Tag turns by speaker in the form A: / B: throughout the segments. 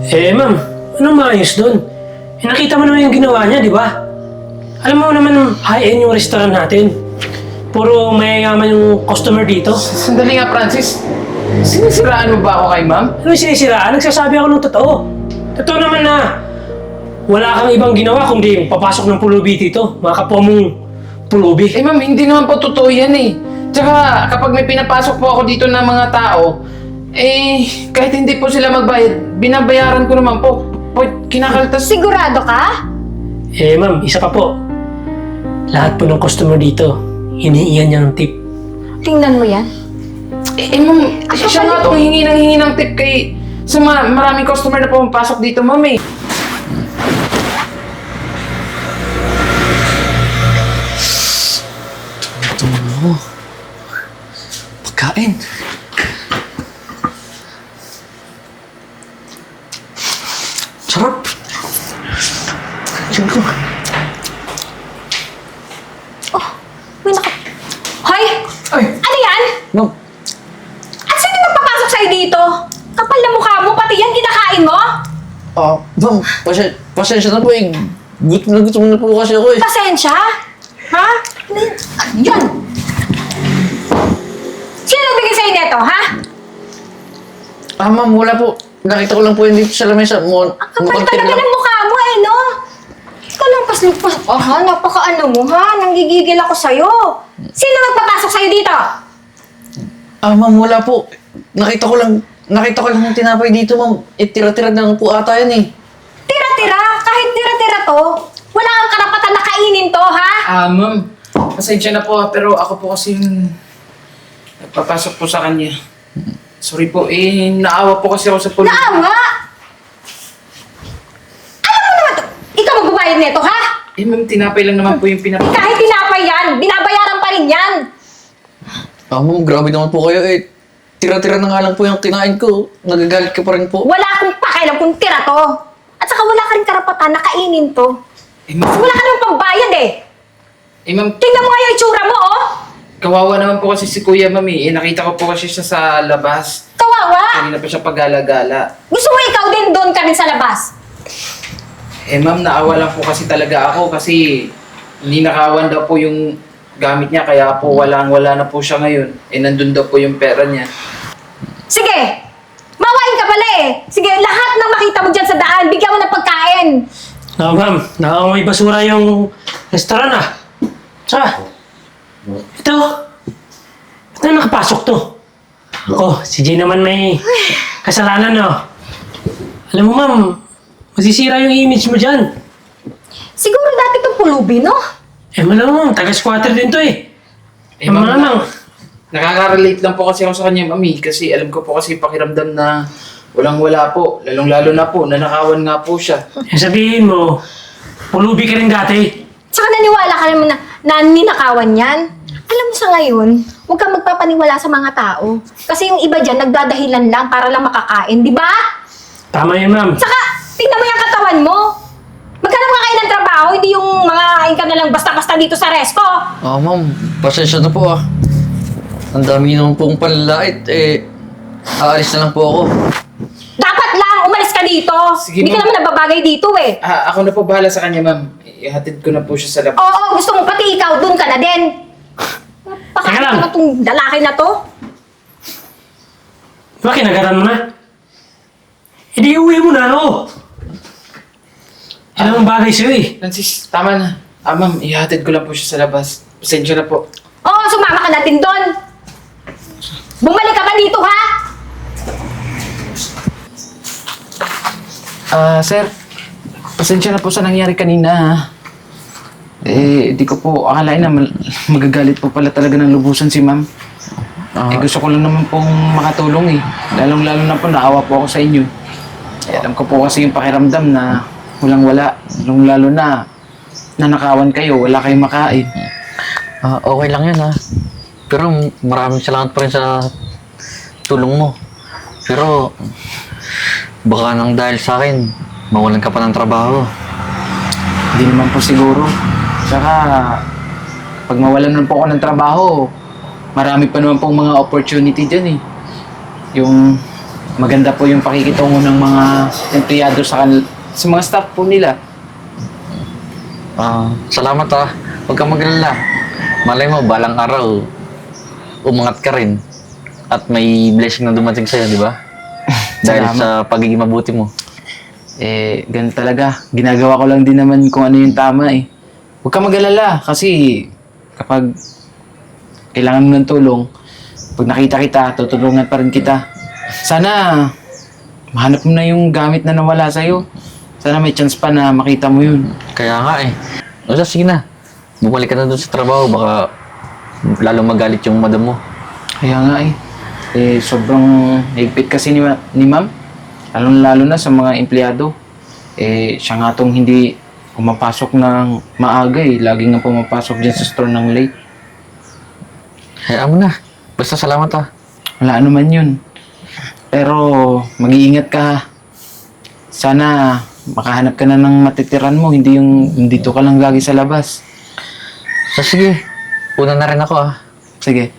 A: Ma'am, anong maayos doon? Nakita mo naman yung ginawa niya, di ba? Alam mo naman, high-end yung restaurant natin. Puro mayayaman yung customer dito.
B: Sandali nga, Francis. Sinisiraan mo ba ako kay ma'am?
A: Ano yung sinisiraan? Nagsasabi ako ng totoo. Totoo naman na wala kang ibang ginawa kundi papasok ng pulubi dito. Mga kapwa mong pulubi.
B: Ma'am, hindi naman po totoo yan eh. Tsaka kapag may pinapasok po ako dito ng mga tao, kahit hindi po sila magbayad, binabayaran ko naman po. Kinakaltas.
C: Sigurado ka?
A: Ma'am, isa pa po. Lahat po ng customer dito, hinihingan niya ng tip.
C: Tingnan mo yan.
B: Ma'am, siya nga itong hingi ng tip kay sa maraming customer na pumapasok dito, ma'am eh.
D: Pagkain. Sarap. Diyan ko.
C: Uy, Hoy!
B: Ay!
C: Ano yan?
D: Ma'am,
C: At sino magpapasok sa'yo dito? Kapal na mukha mo, pati yan kinakain mo?
D: ma'am, pasensya na po eh. Gutom na po kasi ako eh.
C: Pasensya? Ha? Ano yun? Sino nagbigay sa'yo neto, ha?
D: Ma'am, wala po. Nakita ko lang po yun dito sa lamesa.
C: Ang kapal talaga ng mukha mo no? Ikaw lang pas-lupas. Napaka-ano mo ha? Nanggigigil ako sa'yo. Sino magpapasok sa'yo dito?
D: Ma'am, wala po. Nakita ko lang yung tinapay dito, ma'am. Tira-tira na lang po ata yan eh.
C: Tira-tira? Kahit tira-tira to, wala kang karapatan na kainin to, ha?
B: Ma'am, pasensya na po pero ako po kasi yung nagpapasok po sa kanya. Sorry po, naawa po kasi ako sa pulis.
C: Naawa! Alam mo naman to, ikaw magbabayad nito, ha?
B: Ma'am, tinapay lang naman po yung pinapasok.
C: Kahit tinapay yan, binabayaran pa rin yan.
D: Ma'am, grabe naman po kayo eh. Tira-tira na nga lang po yung kinain ko. Nagagalit ka pa rin po.
C: Wala akong pakialam kung tira to. At saka wala ka rin karapatan na kainin to.
B: Ma'am,
C: Wala ka naman pambayad eh.
B: ma'am,
C: Tingnan mo nga yung itsura mo, oh.
B: kawawa naman po kasi si Kuya, ma'am nakita ko po kasi siya sa labas.
C: Kawawa.
B: Kanina pa siya pagala-gala.
C: Gusto mo ikaw din doon ka rin sa labas.
B: Ma'am, naawa lang po kasi talaga ako kasi ninakawan daw po yung gamit niya kaya po wala na po siya ngayon. Nandun daw po yung pera niya.
C: Sige, mawain ka pala eh. Sige, lahat ng makita mo dyan sa daan, bigyan mo ng pagkain.
A: Ma'am, may basura yung restaurant Tsaka, ito nakapasok to. Si Jay naman may kasalanan Alam mo ma'am, masisira yung image mo dyan.
C: Siguro dati itong pulubi, no?
A: Malamang, taga-squatter din to
B: Ma'am,
A: malamang.
B: nakaka-relate lang po kasi ako sa kanya, mami. Kasi alam ko po kasi pakiramdam na walang-wala po. Lalong-lalo na po, nanakawan nga po siya.
A: Sabihin mo, pulubi ka rin dati.
C: Tsaka naniwala ka naman na ninakawan yan. Alam mo sa ngayon, huwag kang magpapaniwala sa mga tao. Kasi yung iba dyan, nagdadahilan lang para lang makakain, di ba?
A: Tama yun ma'am.
C: Tsaka, tingnan mo yung katawan mo. Maghanap ka kayo ng trabaho, hindi yung mga kain ka na lang basta-basta dito sa resto.
D: Ma'am, pasensya na po Ang dami naman pong panlalait aalis na lang po ako.
C: Dapat lang, umalis ka dito.
B: Sige,
C: Hindi ka
B: ma'am.
C: naman nababagay dito eh.
B: Ako na po bahala sa kanya, ma'am. Ihatid ko na po siya sa labas.
C: Oo, gusto mo pati ikaw, doon ka na din.
A: Teka lang.
C: Napakaano na tong lalaki na to.
A: Diba kinagaran mo na? Hindi uwi mo na Alam ang bagay sa'yo
B: Francis, tama na. Ma'am, ihatid ko lang po siya sa labas. Pasensya na po.
C: Oo, sumama ka na din doon. Bumalik ka pa dito, ha?
B: Sir, pasensya na po sa nangyari kanina, ha? Di ko po akalain na magagalit po pala talaga ng lubusan si ma'am. Gusto ko lang naman pong makatulong Lalong-lalo na po, naawa po ako sa inyo. Alam ko po kasi yung pakiramdam na walang-wala. Lalong-lalo na nanakawan kayo, wala kayong makain.
D: Okay lang yan Pero maraming salamat pa rin sa tulong mo. Pero baka nang dahil sa akin, mawalan ka pa ng trabaho.
B: Hindi naman po siguro. Saka, pag mawalan naman po ako ng trabaho, marami pa naman pong mga opportunity dyan Yung maganda po yung pakikitungo ng mga empleyado sa mga staff po nila.
D: Salamat Huwag kang mag-alala. Malay mo, balang araw, umangat ka rin. At may blessing na dumating sa'yo, di ba? Dahil
B: Salamat.
D: sa pagiging mabuti mo.
B: Ganun talaga. Ginagawa ko lang din naman kung ano yung tama eh. Huwag ka mag-alala kasi kapag kailangan mo ng tulong, pag nakita kita, tutulungan pa rin kita. Sana mahanap mo na yung gamit na nawala sa'yo. Sana may chance pa na makita mo yun.
D: Kaya nga O sige na. Bumalik ka na doon sa trabaho. Baka lalong magalit yung madam mo.
B: Kaya nga sobrang higpit kasi ni ma'am. Lalo na sa mga empleyado. Siya nga tong hindi pumapasok ng maaga Laging nga pumapasok dyan sa store ng late.
D: Hayaan mo na. Basta salamat
B: Wala ano man yun. Pero mag-iingat ka. Sana makahanap ka na ng matitiran mo. Hindi yung dito ka lang lagi sa labas.
D: So sige. Una na rin ako
B: Sige.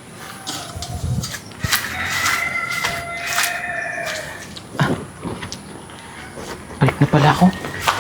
B: Balik na pala ako.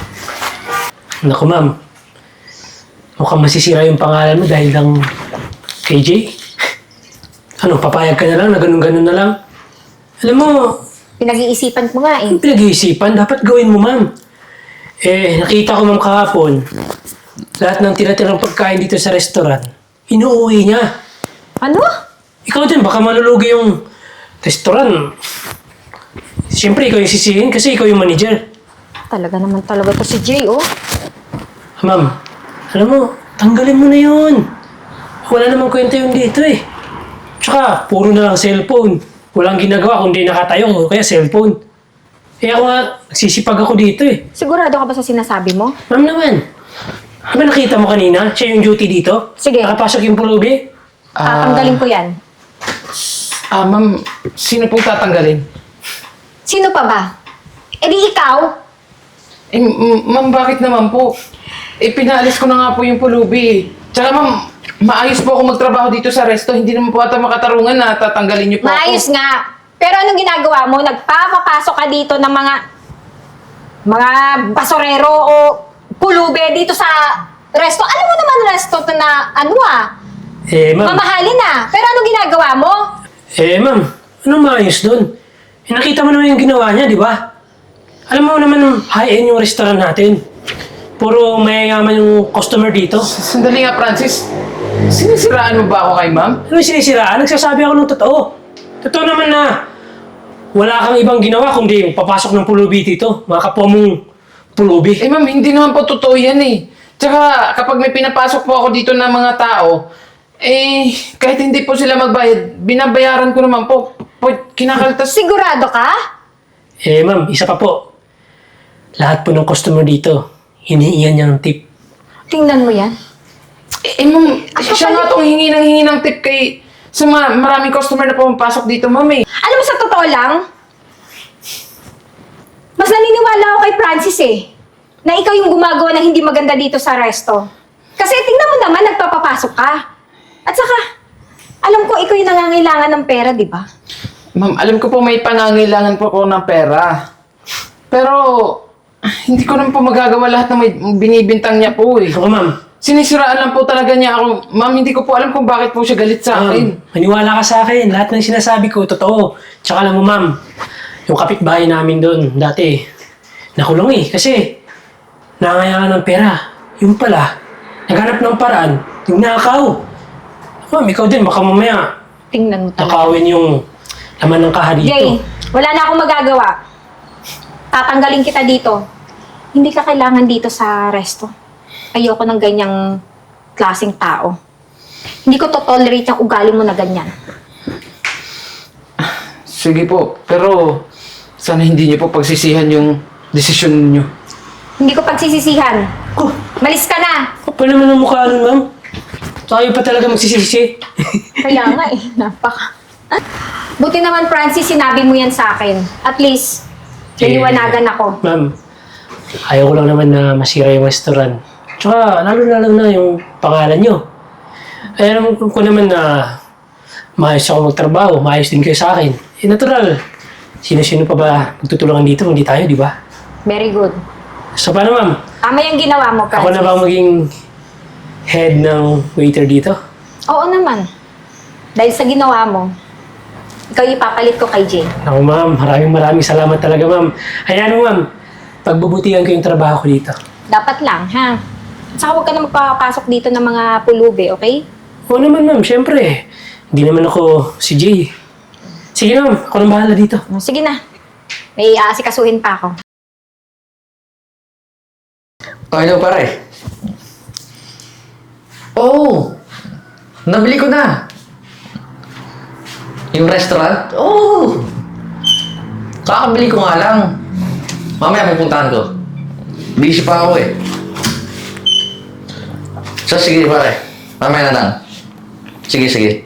A: Naku ma'am, mukhang masisira yung pangalan mo dahil lang kay Jay. Ano, papayag ka na lang na ganun-ganun na lang? Alam mo,
C: Pinag-iisipan ko nga eh.
A: yung pinag-iisipan, dapat gawin mo ma'am. Nakita ko ma'am kahapon, lahat ng tira-tirang pagkain dito sa restaurant, inuuwi niya.
C: Ano?
A: Ikaw din, baka malulugi yung restaurant. Siyempre, ikaw yung sisihin kasi ikaw yung manager.
C: Talaga naman talaga to si Jay, oh.
A: Ma'am, alam mo, tanggalin mo na yun. Wala namang kwenta yun dito Tsaka, puro na lang cellphone. Walang ginagawa kundi nakatayo o kaya cellphone. Ako nga, nagsisipag ako dito
C: Sigurado ka ba sa sinasabi mo?
A: Ma'am naman, ba nakita mo kanina? Siya yung duty dito?
C: Sige.
A: Nakapasok yung pulubi?
C: Tatanggalin ko yan.
B: Ma'am, sino pong tatanggalin?
C: Sino pa ba? Di ikaw?
B: Ma'am, bakit naman po? Pinaalis ko na nga po yung pulubi Tsaka ma'am, maayos po ako magtrabaho dito sa resto. Hindi naman po ata makatarungan na tatanggalin niyo po
C: Maayos
B: ako.
C: nga. Pero anong ginagawa mo? Nagpapapasok ka dito ng mga basorero o pulube dito sa resto. Alam mo naman resto to na
A: Ma'am.
C: mamahalin Pero anong ginagawa mo?
A: Ma'am, anong maayos doon? Nakita mo naman yung ginawa niya, di ba? Alam mo naman, high-end yung restaurant natin. Puro mayayaman yung customer dito.
B: Sandali nga, Francis. Sinisiraan mo ba ako kay ma'am?
A: Ano yung sinisiraan? Nagsasabi ako ng totoo. Totoo naman na wala kang ibang ginawa kundi papasok ng pulubi dito. Mga kapwa mong pulubi.
B: Ma'am, hindi naman po totoo yan Tsaka kapag may pinapasok po ako dito ng mga tao, kahit hindi po sila magbayad, binabayaran ko naman po. Kinakaltas.
C: Sigurado ka?
A: Ma'am, isa pa po. Lahat po ng customer dito, hinihiyan niya ng tip.
C: Tingnan mo yan.
B: Ma'am,
C: Ako
B: siya nga
C: pala-
B: itong hingi ng tip sa maraming customer na pumapasok dito, ma'am
C: Alam mo, sa totoo lang, mas naniniwala ako kay Francis na ikaw yung gumagawa ng hindi maganda dito sa resto. Kasi tingnan mo naman, nagpapapasok ka. At saka, alam ko ikaw yung nangangailangan ng pera, di ba?
B: Ma'am, alam ko po may pangangailangan po ako ng pera. Pero, hindi ko naman po magagawa lahat ng may binibintang niya po
A: Ako ma'am,
B: Sinisiraan lang po talaga niya ako. Ma'am, hindi ko po alam kung bakit po siya galit sa akin.
A: maniwala ka sa akin. Lahat ng sinasabi ko, totoo. Tsaka alam mo ma'am, yung kapitbahay namin doon, dati, nakulong kasi nangangailangan ng pera. Yung pala, naghanap ng paraan, yung nakaw. Ma'am, ikaw din, baka mamaya,
C: Tingnan mo talaga.
A: nakawin yung laman ng kaha dito.
C: Jay, wala na akong magagawa. Tatanggalin kita dito. Hindi ka kailangan dito sa resto. Ayoko ng ganyang klaseng tao. Hindi ko to-tolerate yung ugali mo na ganyan.
B: Sige po, pero sana hindi niyo po pagsisihan yung desisyon niyo.
C: Hindi ko pagsisisihan.
A: Oh,
C: Malis ka na!
A: kapal naman ang mukha nun, ma'am. Tayo pa talaga magsisisi.
C: Kaya nga napaka... Buti naman, Francis, sinabi mo yan sa akin. At least, naliwanagan ako.
A: Ma'am, ayaw ko lang naman na masira yung restaurant. Tsaka, lalo na yung pangalan nyo. Ay, alam ko naman na maayos ako magtrabaho, maayos din kayo sa akin. Natural. Sino-sino pa ba magtutulungan dito? Hindi tayo, di ba?
C: Very good.
A: So, paano ma'am?
C: Tama yung ginawa mo,
A: Ako
C: Francis.
A: na ba ang maging head ng waiter dito?
C: Oo naman. Dahil sa ginawa mo, ikaw ipapalit ko kay Jay.
A: Ako ma'am, maraming salamat talaga ma'am. Hayaan mo ma'am, pagbubutihan ko yung trabaho ko dito.
C: Dapat lang, ha? Saka huwag ka na magpapasok dito ng mga pulubi, okay?
A: Oo naman ma'am, syempre. Hindi naman ako si Jay. Sige na ma'am, ako nang bahala dito.
C: Sige na. May aasikasuhin pa ako.
D: Hello, pare. Oh! Nabili ko na. Yung restaurant? Oh! Kakabili ko nga lang. Mamaya pupuntahan ko. Busy pa ako eh. So, sige pare. Mamaya na lang. Sige.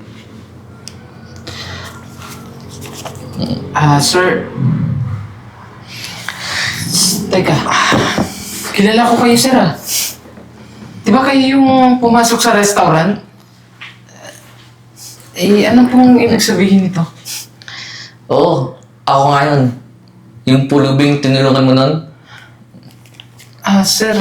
B: Sir. Teka. Kilala ko kayo, sir, ah. Di ba kayo yung pumasok sa restaurant? Ano pong ibig sabihin nito?
D: Oo, ako nga yun. Yung pulubing tinulungan mo nun.
B: Sir.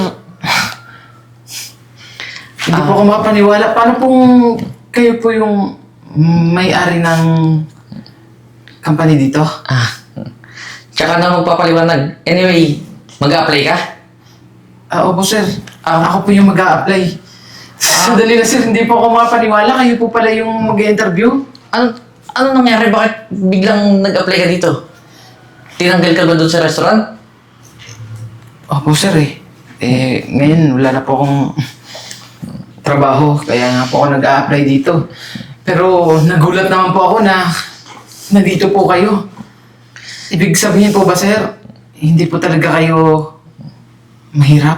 B: Hindi po ako mapaniwala. Paano pong kayo po yung may-ari ng company dito?
D: Tsaka na magpapaliwanag. Anyway, mag-a-apply ka?
B: Opo, sir. Ako po yung mag-a-apply. Sandali na, sir. Hindi po ako mapaniwala. Kayo po pala yung mag-interview.
D: Ano nangyari? Bakit biglang nag-apply ka dito? Tinanggal ka ba doon sa restaurant?
B: Opo, sir ngayon wala na po akong trabaho. Kaya nga po ako nag-a-apply dito. Pero nagulat naman po ako na nandito po kayo. Ibig sabihin po ba, sir, hindi po talaga kayo mahirap?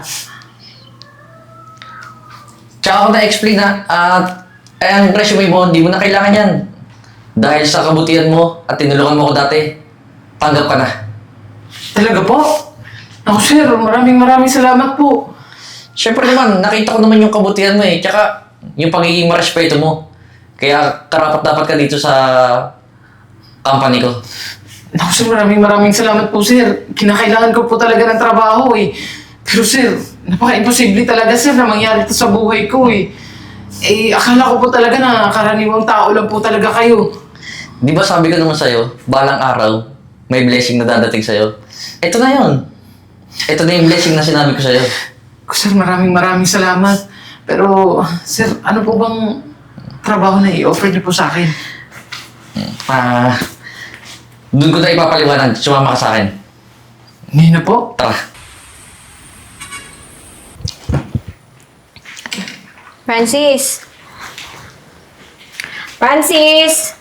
D: Tsaka ako na-explain na ang resume mo, hindi mo na kailangan yan. Dahil sa kabutihan mo at tinulungan mo ko dati, tanggap ka na.
B: Talaga po? Ako, sir, maraming salamat po.
D: Siyempre naman, nakita ko naman yung kabutihan mo eh. Tsaka yung pagiging marespeto mo. Kaya karapat dapat ka dito sa company ko.
B: Naku, sir, maraming salamat po, sir. Kinakailangan ko po talaga ng trabaho eh. Pero sir, napaka-imposible talaga, sir, na mangyari ito sa buhay ko eh. Akala ko po talaga na karaniwang tao lang po talaga kayo.
D: Di ba sabi ko naman sa'yo, balang araw, may blessing na dadating sa'yo. Ito na yun. Ito na yung blessing na sinabi ko sa'yo.
B: Sir, maraming salamat. Pero, sir, ano po bang trabaho na i-offer niyo po sa akin?
D: Doon ko na ipapaliwanag. Sumama ka sa akin.
B: Ngayon na po?
D: Tara.
C: Francis! Francis!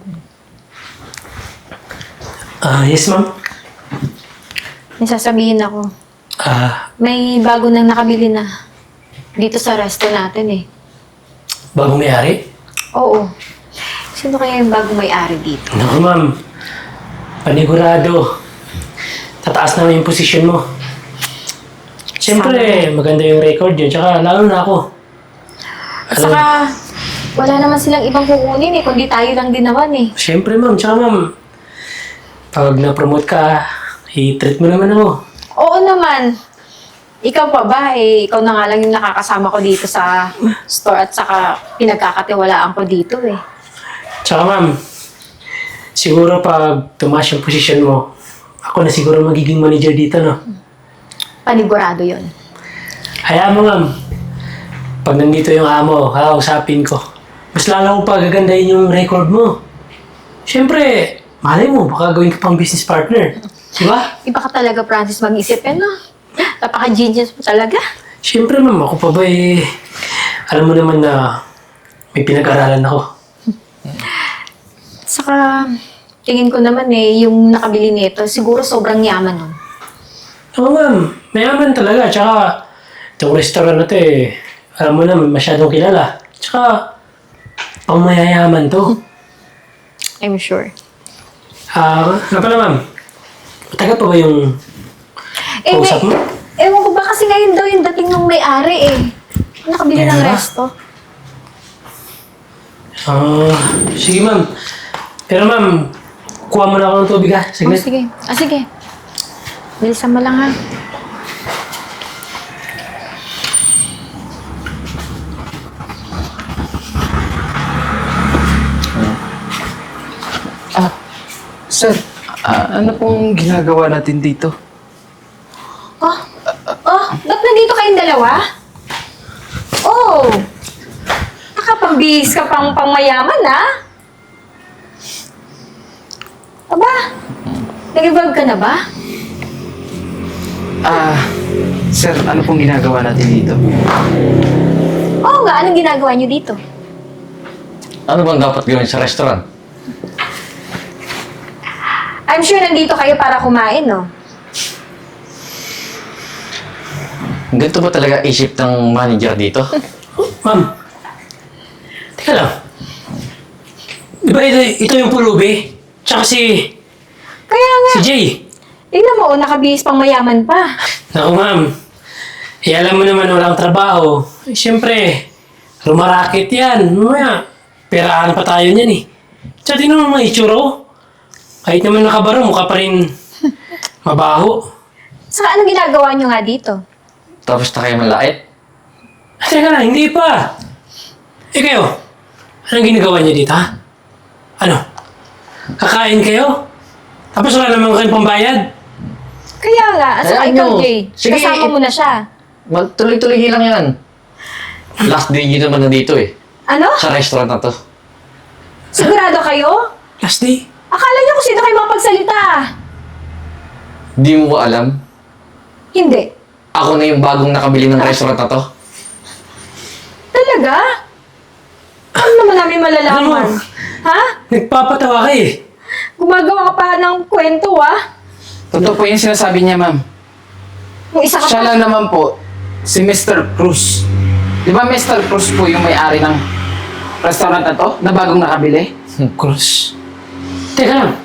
A: Yes ma'am.
C: May sasabihin ako.
A: May
C: May bago nang nakabili na dito sa resto natin eh.
A: bagong may-ari?
C: Oo. Sino kaya yung bagong may-ari dito?
A: Naku ma'am, panigurado. Tataas naman yung posisyon mo. Siyempre, maganda yung record yun. Tsaka lalo na ako.
C: At saka, wala naman silang ibang kukunin eh, kundi tayo lang din naman eh.
A: Siyempre ma'am, tsaka ma'am, pag na-promote ka, i-treat mo naman ako.
C: Oo naman. Ikaw pa ba eh, ikaw na nga lang yung nakakasama ko dito sa store at saka pinagkakatiwalaan ko dito eh.
A: Tsaka ma'am, siguro pag tumaas yung posisyon mo, ako na siguro magiging manager dito, no?
C: Panigurado yon.
A: Hayaan mo ma'am, pag nandito yung amo, kakausapin ko. Mas lalo ko pa gagandahin yung record mo. Siyempre, malay mo, baka gawin ka pang business partner. Diba?
C: Iba ka talaga, Francis, mag-isip eh, no? Napaka-genius mo talaga.
A: Siyempre ma'am, ako pa ba alam mo naman na may pinag-aralan ako.
C: Saka, tingin ko naman eh, yung nakabili nito, siguro sobrang yaman nun.
A: Oo ma'am, mayaman talaga. Tsaka, itong restaurant na to alam mo na, masyadong kilala. Tsaka, pang mayayaman to.
C: I'm sure.
A: Nga pala ma'am, matagal pa ba yung kausap mo?
C: Ewan ko ba kasi ngayon daw yung dating ng may-ari eh. Nakabili ng
A: Meron ba?
C: resto.
A: Sige ma'am. Pero ma'am, kuha mo na ako ng tubig ha.
C: Oh,
A: Saglit.
C: sige. Sige. Bilisan mo lang ha.
B: Sir, ano pong ginagawa natin dito?
C: Ba't nandito kayong dalawa? Oh! Nakapambihis ka pang pangmayaman, ha? Aba, nag-evolve ka na ba?
B: Sir, ano pong ginagawa natin dito?
C: Oo nga, anong ginagawa niyo dito?
D: Ano bang dapat gawin sa restaurant?
C: I'm sure nandito kayo para kumain, no?
D: Ganito ba talaga isip ng manager dito?
A: Ma'am. Teka lang. Di ba ito yung pulubi? Tsaka si
C: Kaya nga,
A: Jay.
C: tingnan mo, nakabihis pang mayaman pa.
A: Naku ma'am. Alam mo naman walang trabaho. Siyempre, rumarakit yan. Mamaya, peraan pa tayo niyan eh. Tsaka tingnan mo mga itsura ko. Kahit naman nakabaro, mukha pa rin mabaho.
C: Saka anong ginagawa niyo nga dito?
D: Tapos na kayo malait?
A: Teka lang, hindi pa. Kayo, anong ginagawa niyo dito ha? Ano? Kakain kayo? Tapos wala naman kayong pambayad?
C: Kaya nga, at saka
D: Ayan
C: ikaw,
D: nyo.
C: Jay.
D: Sige,
C: Kasama mo na siya.
D: Magtuloy-tuloy lang yan. Last day nyo naman na dito eh.
C: Ano?
D: Sa restaurant na to.
C: Sigurado kayo?
A: Last day?
C: Akala niyo kung sino kayo makapagsalita.
D: Di mo ba alam?
C: Hindi.
D: Ako na yung bagong nakabili ng restaurant na to.
C: Talaga? Ano naman namin malalaman?
A: Ano?
C: Ha?
A: Nagpapatawa ka eh.
C: Gumagawa ka pa ng kwento, ah?
B: Totoo po yung sinasabi niya, ma'am.
C: Yung isa ka
B: Siya
C: pa.
B: lang naman po, si Mr. Cruz. Di ba Mr. Cruz po yung may-ari ng restaurant na to, na bagong nakabili?
A: Cruz. Teka lang.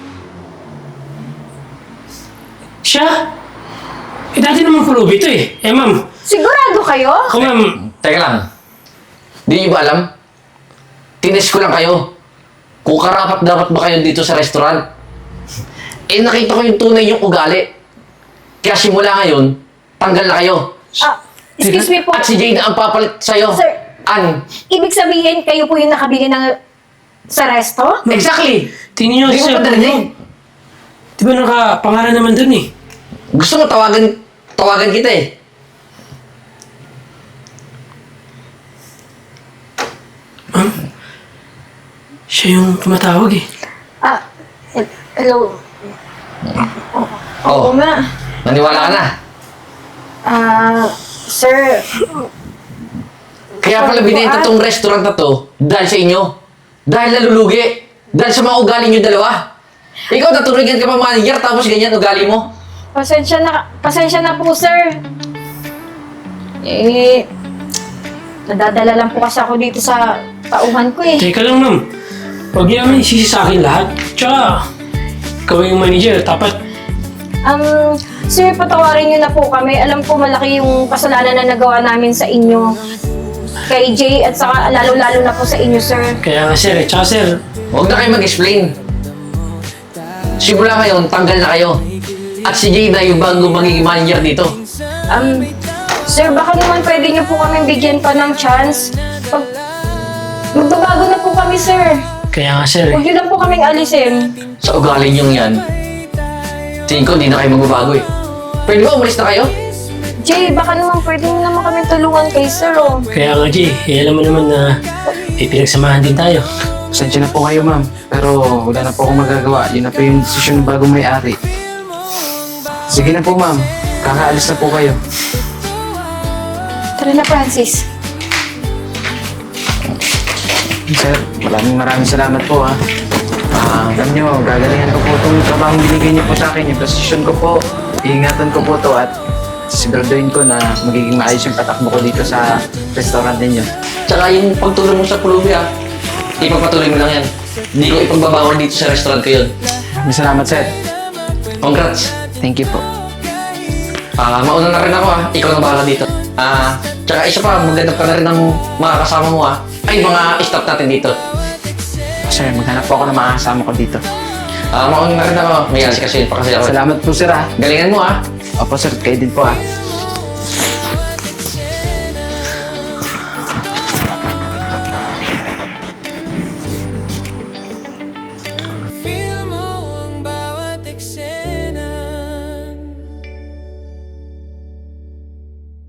A: Siya? Dati naman pulubi ito eh. Ma'am.
C: Sigurado kayo?
A: Ako ma'am.
D: Teka lang. Di nyo ba alam? Tines ko lang kayo. Kung karapat dapat ba kayo dito sa restaurant? Nakita ko yung tunay yung ugali. Kaya simula ngayon, tanggal na kayo.
C: Excuse me po.
D: At si Jay na ang papalit sa'yo.
C: Sir.
D: Ibig
C: sabihin, kayo po yung nakabili ng sa resto?
D: Exactly!
A: Tingnan niyo
D: Di mo
A: sir.
D: pa narinig?
A: Di ba nakapangalan naman dun eh?
D: Gusto mo tawagan kita eh.
A: Ma'am? Siya yung tumatawag eh.
C: Hello.
D: Oh,
C: nga.
D: naniwala ka na.
C: Sir.
D: Kaya pala binenta tong restaurant na to dahil sa inyo. Dahil nalulugi. Dahil sa mga ugali nyo dalawa. Ikaw, naturigan ka pa manager tapos ganyan ugali mo.
C: Pasensya na po, sir. Nadadala lang po kasi ako dito sa tauhan ko eh.
A: Teka lang ma'am. Huwag niyo naman isisi sa akin lahat. Tsaka, ikaw yung manager. Dapat,
C: Sir, patawarin niyo na po kami. Alam ko malaki yung kasalanan na nagawa namin sa inyo. Kay Jay at saka lalo-lalo na po sa inyo, sir.
A: kaya nga sir eh. Tsaka sir,
D: Huwag na kayo mag-explain. Simula ngayon, tanggal na kayo. At si Jay na yung bagong magiging manager dito.
C: Sir, baka naman pwede niyo po kami bigyan pa ng chance. Magbabago na po kami, sir.
A: kaya nga sir
C: Huwag
A: eh.
C: niyo lang po kaming alisin.
D: Sa ugali nyo yan, tingin ko hindi na kayo magbabago eh. Pwede ba umalis na kayo?
C: Jay, baka naman pwede niyo naman kami tulungan kay sir, oh.
A: Kaya nga Jay, alam mo naman na may pinagsamahan din tayo.
B: Pasensya na po kayo, ma'am. Pero wala na po akong magagawa. Yun na po yung desisyon ng bagong may-ari. Sige na po, ma'am. Kakaalis na po kayo.
C: Tara na, Francis.
B: Sir, maraming salamat po, ha. Alam nyo, gagalingan ko po itong trabaho binigay niyo po sa akin. Yung posisyon ko po, iingatan ko po to at siguraduhin ko na magiging maayos yung patakbo ko dito sa restaurant ninyo.
D: Tsaka yung pagtulong mo sa pulubi ipagpatuloy mo lang yan. Hindi ko ipagbabawal dito sa restaurant ko yun.
B: Maraming salamat, sir.
D: Congrats!
B: Thank you po.
D: Mauna na rin ako ikaw na bahala dito. Tsaka isa pa, maghanap ka na rin ng mga kasama mo Ay, mga staff natin dito.
B: Sir, maghanap po ako ng mga kasama ko dito.
D: Mauna na rin ako. May kasi pa kasi ako.
B: Salamat po sir ah.
D: Galingan mo ah.
B: Opo sir, kayo din po ah.